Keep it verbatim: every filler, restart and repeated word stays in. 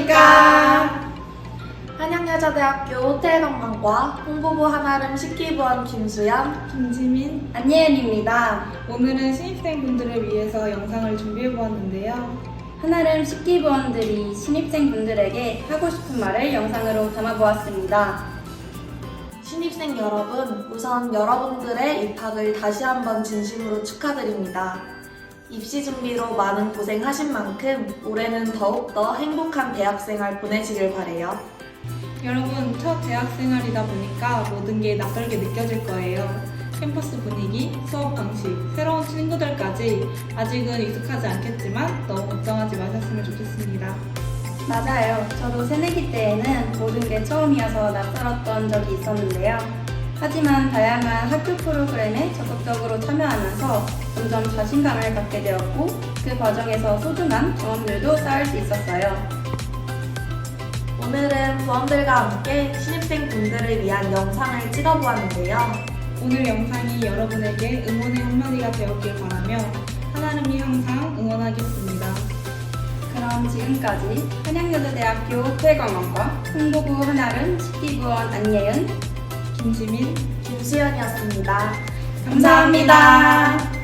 안녕하십니까. 한양여자대학교 호텔관광과 홍보부 한아름 식기부원 김수연, 김지민, 안예은입니다. 오늘은 신입생분들을 위해서 영상을 준비해보았는데요. 한아름 식기부원들이 신입생분들에게 하고 싶은 말을 영상으로 담아보았습니다. 신입생 여러분, 우선 여러분들의 입학을 다시 한번 진심으로 축하드립니다. 입시 준비로 많은 고생하신 만큼 올해는 더욱더 행복한 대학생활 보내시길 바래요. 여러분, 첫 대학생활이다 보니까 모든 게 낯설게 느껴질 거예요. 캠퍼스 분위기, 수업 방식, 새로운 친구들까지 아직은 익숙하지 않겠지만 너무 걱정하지 마셨으면 좋겠습니다. 맞아요. 저도 새내기 때에는 모든 게 처음이어서 낯설었던 적이 있었는데요. 하지만 다양한 학교 프로그램에 적극적으로 참여하면서 점점 자신감을 갖게 되었고 그 과정에서 소중한 경험들도 쌓을 수 있었어요. 오늘은 부원들과 함께 신입생 분들을 위한 영상을 찍어보았는데요. 오늘 영상이 여러분에게 응원의 한마디가 되었길 바라며 한아름이 항상 응원하겠습니다. 그럼 지금까지 한양여자대학교 호텔관광과 홍보부 한아름 식기부원 안예은, 김지민, 김수연이었습니다. 감사합니다.